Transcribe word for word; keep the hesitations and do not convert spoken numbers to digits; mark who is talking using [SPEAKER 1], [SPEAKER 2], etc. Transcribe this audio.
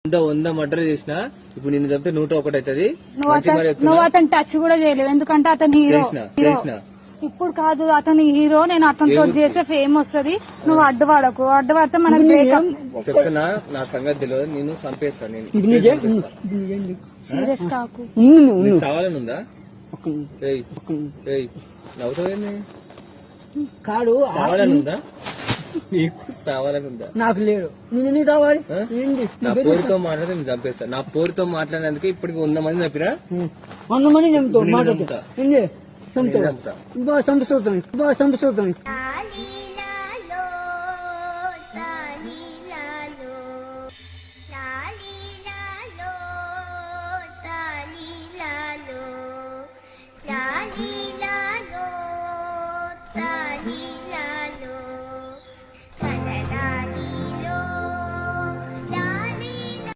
[SPEAKER 1] వంద వంద మర్డర్ చేసిన ఇప్పుడు నిన్ను చంపితే నూట ఒకటి అవుతుంది.
[SPEAKER 2] నువ్వు అతను టచ్ కూడా చేయలేవు ఎందుకంటే అతను హీరో.
[SPEAKER 1] చేసిన
[SPEAKER 2] ఇప్పుడు కాదు అతను హీరో, నేను అతనితో చేసే ఫేమ్ వస్తుంది. నువ్వు అడ్డుపడకు, అడ్డుపడితే మనకు బ్రేకప్.
[SPEAKER 1] చెప్తున్నా నా సంగతి తెలియదు, నేను చంపేస్తా. నేను
[SPEAKER 2] సీరియస్ కాకు.
[SPEAKER 1] సవాలని ఉందా? నవ్వుతావేంది?
[SPEAKER 3] కాడు
[SPEAKER 1] సవాలని ఉందా? నీకు సవాలని ఉందా?
[SPEAKER 3] నాకు లేడు. నేను కావాలి.
[SPEAKER 1] నా పోరుతో మాట్లాడితే నేను చంపేస్తా. నా పోరుతో మాట్లాడినందుకే ఇప్పటికి వంద మంది చంపినా.
[SPEAKER 3] వంద మంది చంపుతావు. మాట్లాడుతా చంపుతావు. చంపుతావు.